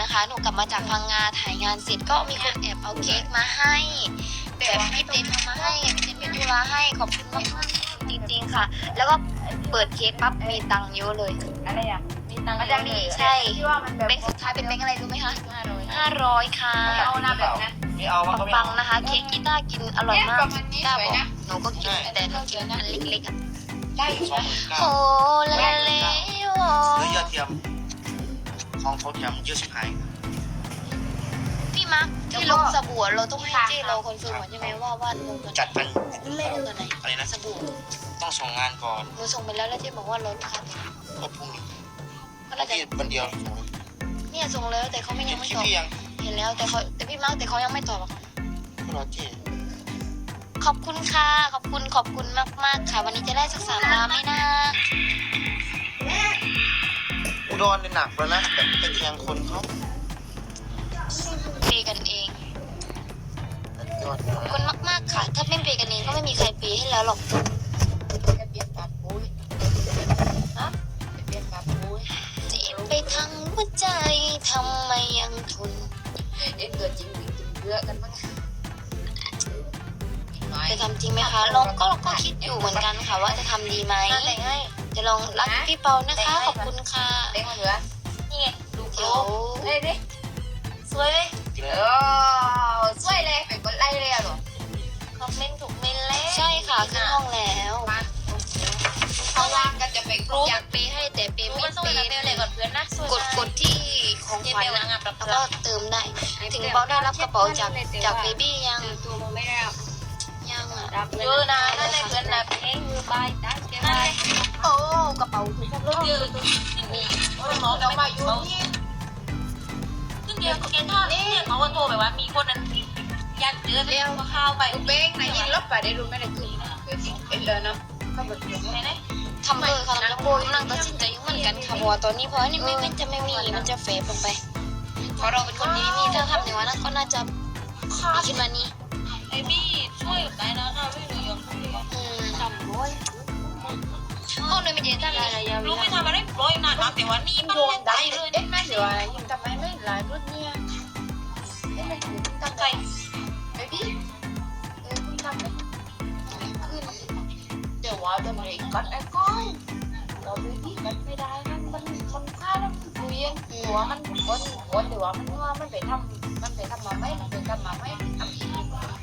นะคะหนูกลับมาจากพังงาถ่ายงานเสร็จก็มีคนแอบเอาเค้กมาให้แบบพี่เต้นเอามาให้พี่เต้นเป็นธุระให้ขอบคุณมากๆจริงๆค่ะ แล้วก็เปิดเค้กปั๊บมีตังค์เยอะเลยอะไรอ่ะมีตังค์มันจะมีใช่ที่ว่ามันแบบแบงค์สุดท้ายเป็นแบงค์อะไรรู้ไหมคะ 500 500ค่ะเอาหน้าแบบนั้นไม่เอามันก็ไม่ปัเอางนะคะเค้กกีต้าร์กินอร่อยมากประมาณนี้กีต้าร์สบวยอกนะหนูก็กินแต่หนูกินอันเล็กๆอ่ะได้อยู่นะโอ้ละละเลโอซื้อยอดเทียมของเขาเทียมเยอะชิบหายพี่มาร์คที่ลงสบู่เราต้องให้เจ้เราคอนเฟิร์มก่อนใช่ไหมว่าลงตัวไหนจัดมันลงตัวไหนอะไรนะสบู่ต้องส่งงานก่อนหนูส่งไปแล้วแล้วเจ๊บอกว่าลดราคาก็พรุ่งนี้ก็เราจะที่วันเดียวเนี่ยส่งแล้วแต่เขาไม่เห็ยันงไม่คลิตปอบพี่ยังเห็นแล้วแต่พี่มาร์คแต่เขายังไม่ตอบอะค่ะก็รอเจ๊ขอบคุณค่ะขอบคุณมากๆค่ะ วันนี้จะได้สัก3 ล้านไหมนะอุดรเนี่ยหนักแล้วนะแบบไปแทงคนเขาเปย์กันเองยอดขอบคุณมากๆค่ะ ถ้าไม่เปย์กันเองก็ไม่มีใครเปย์ให้แล้วหรอกจะเปลี่ยนปากปุ้ยฮะจะเปลี่ยนปากปุ้ยเจ็บไปทั้งหัวใจทำไมยังทนเอ็นเกิดจริงหรือจริงเยอะกันมั้งจะทำจริงไหมคะเราก็คิดอยู่เหมือนกันค่ะว่าจะทำดีไหมแต่งให้จะลองรักพี่เปานะคะ ขอบคุณค่ะแต่งมาเหลือนี่ไงดูโกเดี๋ยวเฮ้ยดิสวยเลยสวยเลยเป็นคนไล่เลยอ่ะหรอคอมเมนต์ถูกเมนแล้วใช่ค่ะขึ้นห้องแล้วมาเขาว่างกันจะไปกรุ๊ปอยากเปย์ให้แต่เปย์ไม่มันต้องเปไปย์เมลเลยก่อนเพื่อนนะกดที่ของขวัญนะแล้วก็เติมได้ ถึงเปาได้รับกระเป๋าจากเบบี้ยังตัวมันไม่ได้ยังอ่ะเยอะนะนั่นเลยเพื่อนนะเพลงมือบายตั้งใจบายโอ้กระเป๋าถูกครับรุ่นเดียวมีหมอจะมาอยู่ที่รุ่นเดียวแกท่านี่เขาว่าโทรไปว่ามีคนนั้นอยากเจอเรียกว่าข้าวไปเบ้งไหนยินลบไปได้รู้ไม่ได้คือเป็นเลยเนาะก็แบบไหนทำค่ะทำแล้วโบยนั่งตัดสินใจยุ่งเหมือนกันค่ะเพราะว่าตอนนี้เพราะนี่ไม่จะไม่มีมันจะเฟซลงไปเพราะเราเป็นคนที่ไม่มีถ้าทำในวันนั้นก็น่าจะมีขึ้นมานี้ไอ้บี้ช่วยได้นะค่ะไม่รู้ยังจำด้วยห้องเลยไม่เจอตั้งเลยรู้ไม่ทำอะไรร้อยนานแต่ว่านี่มันไม่ได้เลยเอ๊ะไม่เดี๋ยวอะไรยังทำไมไม่หลายรุ่นเนี่ยเอ๊ะไม่ถึงตั้งใจไอ้บี้คุณทำไม่ขึ้นเดี๋ยวว่าจะไม่กัดไอ้ก้อยเราไปบี้กัดไม่ได้มันฆ่าแล้วมันคุยกันหัวมันคนเดี๋ยวว่ามันว่ามันไปทำมาไม่ทำอีก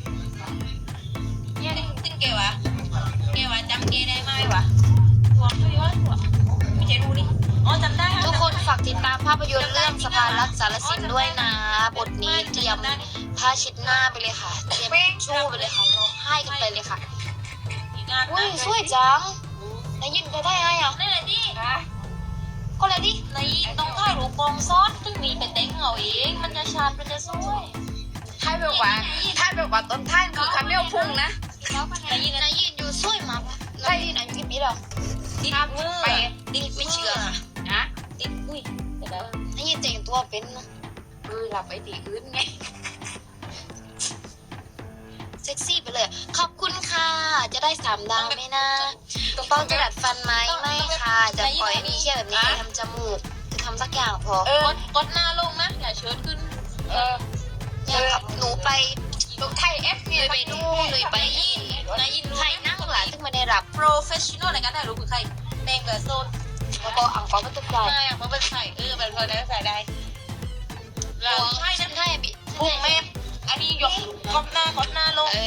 เนี่ยตึ้งเกวะจำเกได้ไหมวะตัวไม่ว่าตัวไม่ใช่รู้ดิอ๋อจำได้ทุกคนฝากติดตามภาพยนตร์เรื่องสะพานรักสารสินด้วยนะบทนี้เตรียมผ้าเช็ดหน้าไปเลยค่ะเตรียมชู่ไปเลยค่ะร้องไห้กันไปเลยค่ะงานอุ้ยสวยจังนายยินไปได้ไงอ่ะนี่แหละดิก็เลยดิในต้องถ่ายรูปกองซ้อนตึ้งมีเป็นเต็งเอาเองมันจะชาดมันจะสวยถ้าแบบว่าต้นท่านคือคาเมลพุ่งนะนายยินอยู่สวยมากนายยินอายุกี่ปีแล้วติดมือไปดิไม่เชื่อค่ะนะติดอุ้ยเดี๋ยวนายยินแต่งตัวเป็นนะหลับไปตีอื่นไงเซ็กซี่ไปเลย ขอบคุณค่ะ จะได้3 ดาวไหมนะต้องจะดัดฟันไหมไม่ค่ะ จะปล่อยให้มีแค่แบบนี้ทำจมูก จะทำสักอย่างพอกดหน้าลงนะอย่าเชิดขึ้นเนี่ยขับหนูไปตรงไทยเอฟเลเนี่ยยไปนู่นเลยไปนี่นายยินรู้ใครนั่งหลานซึ่งไม่ได้รับโปรเฟชชั่นอลในการถ่ายรูปคือใครแดงกับโซนแล้วก็อังกอร์ก็ตุกใจไม่อะเพราะเป็นใส่เป็นคนได้ใส่ได้เราหัวใช่ฉันะนให้บิพุ่งแม่อันนี้ยกกดหน้าลง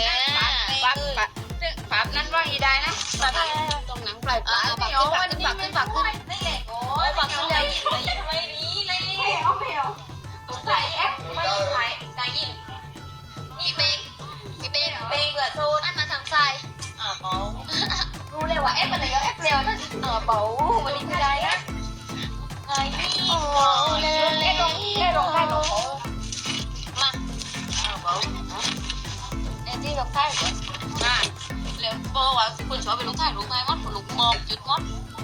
ปั๊บนั้นว่าอีได้นะตรงหนังปลายปลายไม่เอาวันนี้ไม่ปักขึ้นนี่แหละโอ้ยปักขึ้นเลยไม่นี้เลยใส่แอปไม่ใส่ใส่ยินพี่เป้พี่เป้เบงกับโซนอันมาทางซ้ายเบารู้เลยว่าเอฟมันเลยเอฟเร็วนะเบาวันนี้ไม่ได้นะไอ้นี่โอ้เลยเล่นลงได้ลงมาเบาไอ้ที่ลงใต้เหรอมาเร็วเพราะว่าคุณชอบไปลงใต้ลงใต้งดลูกมองจุดงด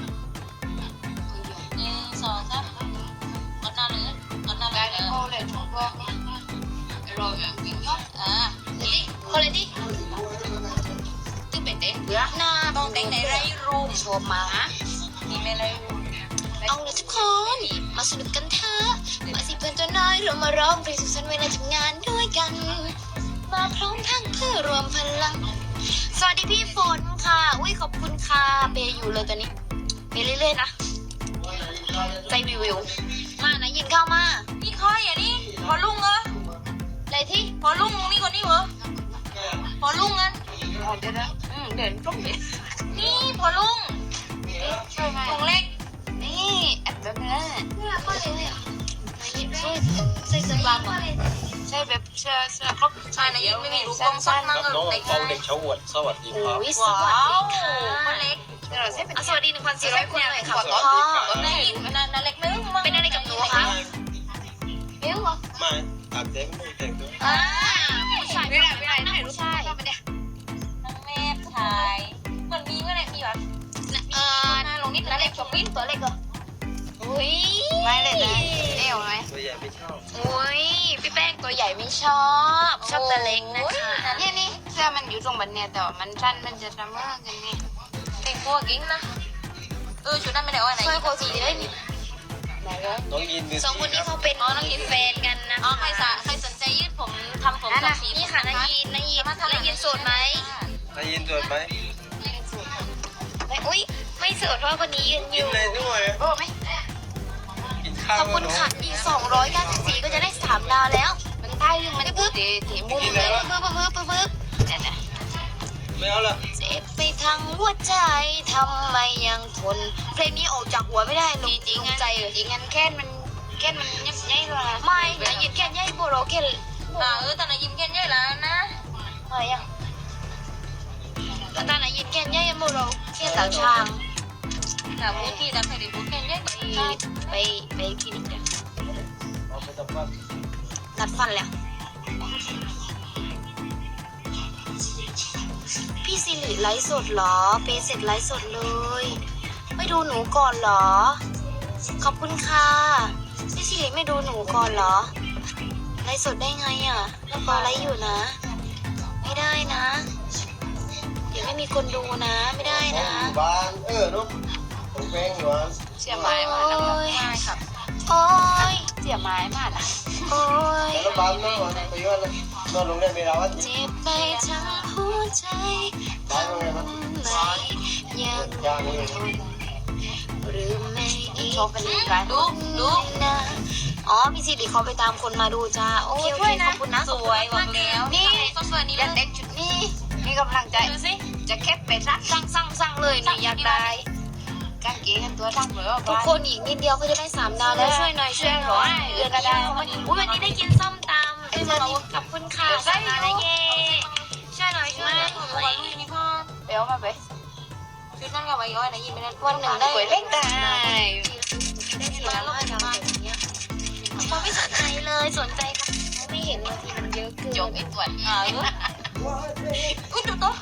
1 2 3กดหน้าเลยกดหน้าเลยโอ้เลยถูกบอกเราอย่างวิ่งยอดนี่คนเลยดิที่เป็นเด็กเบื่อหน้าต้องแต่งในไรรูมชอบมามีไม่ไรรูมเอาเลยทุกคนมาสนุกกันเถอะมาสิเพื่อนตัวน้อยเราเรามาร้องเพลงสุขสันต์เวลาทำงานด้วยกัน มาพร้อมทั้งเพื่อรวมพลัง สวัสดีพี่ฝนค่ะ อุ้ยขอบคุณค่ะเปย์อยู่เลยตอนนี้เปย์เรื่อยๆนะใจวิวๆมานะยินเข้ามานี่ค่อยอ่ะนี่พอลุงเหรออะไรที่พอลุงนี่คนนี้เหรอพอลุงงั้นเดี๋ยวนะเดินตรงนี้นี่พอลุงช่วยไหมลุงเล็กนี่แอบแบบนี้เนี่ยก็เลยเนี่ยช่วยใส่เสื้อบางหน่อยใช่แบบเสื้อครบใช่นะยังไม่มีรูปกล้องสั้นนั่งครับน้องเล็กเปาเด็กชาวอวดสวัสดีครับโอ้ยสว้าวัสวดีค่ะคนเล็กเดี๋ยวเราใช้เป็นสวัสดี 1,400 คนเลยค่ะสวัสดีพ่อครับได้ยินนาเล็กนึงเป็นอะไรกับหนูคะเอ้วเหรอมาอาบเต็มไม่แต่งตัวอ่าผู้ชายไม่ได้รู้ผู้ชายชอบไปเนี่ยนางแม่ถ่ายเหมือนมีเมื่อไหร่มีวะหน้าลงนิดนาเล็กชมวินตัวเล็กเหรออุ้ยไม่เลยนะเอวไหมตัวใหญ่ไม่ชอบอุ้ยพี่แป้งตัวใหญ่ไม่ชอบตัวเล็กนะคะเนี่ยนี่เสื้อมันอยู่ตรงบันเนี่ยแต่ว่ามันสั้นมันจะทำเมื่อกันนี่แต่งตัวกิ้งนะชุดนั้นไม่ได้ว่าไหนช่วยโคสีได้นิดน้องยินดูสองคนนี้เขาเป็นน้องแฟนกันนะอ๋อใครสนใจยืดผมทำผมสองสีนี่ค่ะนายยินนายยินโสดไหมนายยินตรวจไหมอุ้ยไม่โสดเพราะคนนี้ยืนอกินยู่เลยด้วยโอ้ไหมกินข้าวขอบคุณค่ะอีก294ก็จะได้3ดาวแล้วมันใต้ยังมันปุ๊บถีมุมเลยปึ๊บเนี่ยนะไม่เอาละเจ็บไปทั้งหัวใจทำไมยังทนเพลงนี้ออกจากหัวไม่ได้ลงจริงลงใจเลยจริงงั้นแค่มันยับยั้งเลยไม่นายยินแค่ยัยโบโรแค่แต่นายยิ้มแค่นี้แล้วนะอะไรอ่ะตอนนายยินแค่ยัยโบโรแค่ต่างช่างแต่พูดที่แต่ไม่ได้พูดแค่นี้ไปคลินิกกันเอาไปทำว่านัดฟันแล้วพี่สิริไลฟ์สดเหรอเปย์เสร็จไลฟ์สดเลยไม่ดูหนูก่อนเหรอขอบคุณค่ะพี่สิริไม่ดูหนูก่อนเหรอไลฟ์สดได้ไงอ่ะแล้วปอไลฟ์อยู่นะ ไม่ได้นะ เดี๋ยวไม่มีคนดูนะ ไม่ได้นะอยู่บ้านนุ๊กผมแป้งอยู่บ้านเสียไม้มาแล้วง่ายครับโอ้ยเสียไม้มากอ่ะโอ้ยแล้วบ้านนอนไปย้อนนอนโรงเรียนเวลาวันเจ็บไปทั้งหัวใจบ้านโรงเรียนมันไม่ยังยางนี่หรือไม่อีกโชว์เป็นร้านดูนะอ๋อพี่สิริเขาไปตามคนมาดูจ้าโอเคโอเคขอบคุณนะสวยบอกแล้วนี่ก็สวยนี่เด็เลยกเด็กชุดนี้มีกำลังใจดูสิจะแคบไปรักสั่งเลยหนูอยากได้กางเกงกันตัวทั้งหมดว่าทุกคนอีกนิดเดียวก็จะได้3 ดาวแล้วช่วยหน่อยเดือนนี้วันนี้ได้กินส้มตำขอบคุณค่ะ3 ดาวแล้วเย่ช่วยหน่อยนี่พ่อเดี๋ยวมาไปชุดนั้นกับไอ้ย้อยนะยิ้มไม่ได้วันหนึ่งได้ก๋วยเล็กได้ได้4 ดาวแล้วดาวอย่างเงี้ยเขาไม่สนใจเลยสนใจเขาไม่เห็นบางทีมันเยอะเกินจงไอ้ตัวนี้อุ้ยดูตัว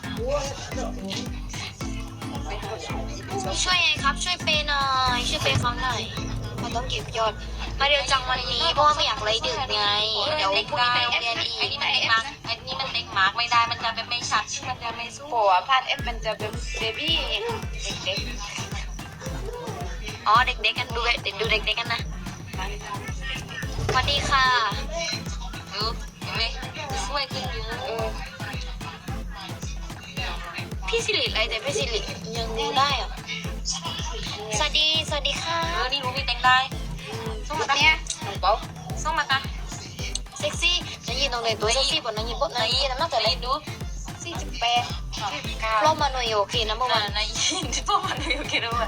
ช่วยไงครับช่วยเปย์หน่อยช่วยเปย์เขาหน่อยมันต้องเก็บยอดมาเรียวจังวันนี้เพราะว่าไม่อยากไล่ดึกไงเดี๋ยวพรุ่งนี้ไปโรงเรียนอีไอ้กนี่มันเด็กมาร์กไอ้นี่มันเด็กมาร์กไม่ได้มันจะเป็นไม่ชัดมันจะไม่สู้โผล่พาดเอฟมันจะเป็นเบบี้เด็กอ๋อเด็กๆกันดูเด็กๆกันนะสวัสดีค่ะเห็นไหมสวยขึ้นเยอะพี่สิริอะไรแต่พี่สิริยังดูได้เหรอสวัสดีค่ะนี่รู้มีแต่งได้ส่งมากันเนี่ยเปล่าส่งมากันเซ็กซี่นังยินตรงไหนตัวเซ็กซี่บนนังยินปุ๊บนังยินน้ำหนักแต่เล็กดู 48 รอบมาหน่วยโอเคนะเมื่อวานในยินที่พ่อมันอยู่คิดว่า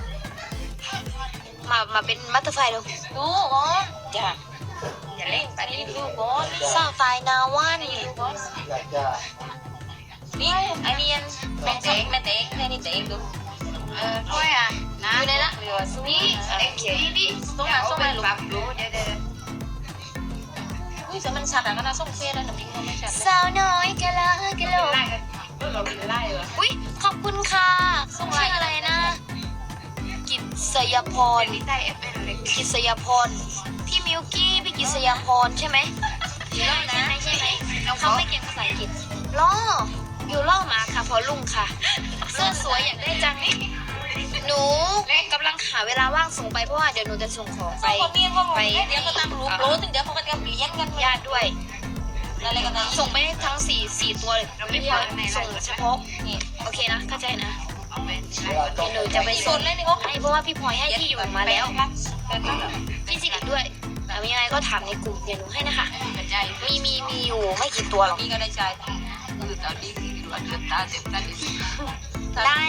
มาเป็นบัตเตอร์ไฟดูดูก่อนจ้ะอย่าเล่นไปนี่ดูก่อนสาวไฟนาวันดูก่อนอยากจะนี่ไอเนียนแม่เจ๊กนี่เจ๊กดูถ้วยอ่ะนะอยู่ในละเหลือสู้นี่เด็กเขียนนี่ส่งมาส่งมาลูกปรับรู้เดี๋ยวอุ้ยแต่มันชัดอ่ะก็น่าส่งเฟซแล้วแต่พี่ไม่ชัดเลยสาวน้อยกะลากะโหลกไล่กันเราไล่เหรออุ้ยขอบคุณค่ะชื่ออะไรนะกิษยพรนี่ใต้เอฟเป็นเล็กกิษยพรพี่มิวกี้พี่กิษยพรใช่ไหมใช่ไหมเขาไม่เก่งภาษาอังกฤษล่ออยู่ล่อมาค่ะพอลุงค่ะเสื้อสวยอยากได้จังหนูกำลังหาเวลาว่างส่งไปเพราะว่าเดี๋ยวหนูจะส่งของไปส่งคนเมียนก็งงเดี๋ยวก็ตามรูปรู้ถึงเดี๋ยวเขาก็จะอะไรกันนะส่งไปให้ทั้งสี่ตัวเลยพี่พลอยส่งเฉพาะนี่โอเคนะเข้าใจนะเดี๋ยวหนูจะไปส่งให้เพราะว่าพี่พลอยให้ที่อยู่มาแล้วพี่สิริด้วยแต่ยังไงก็ถามในกลุ่มเดี๋ยวหนูให้นะคะมีอยู่ไม่กี่ตัวหรอกพี่ก็ได้ใจคือตอนนี้คือวันเดือนตาเต็มตาได้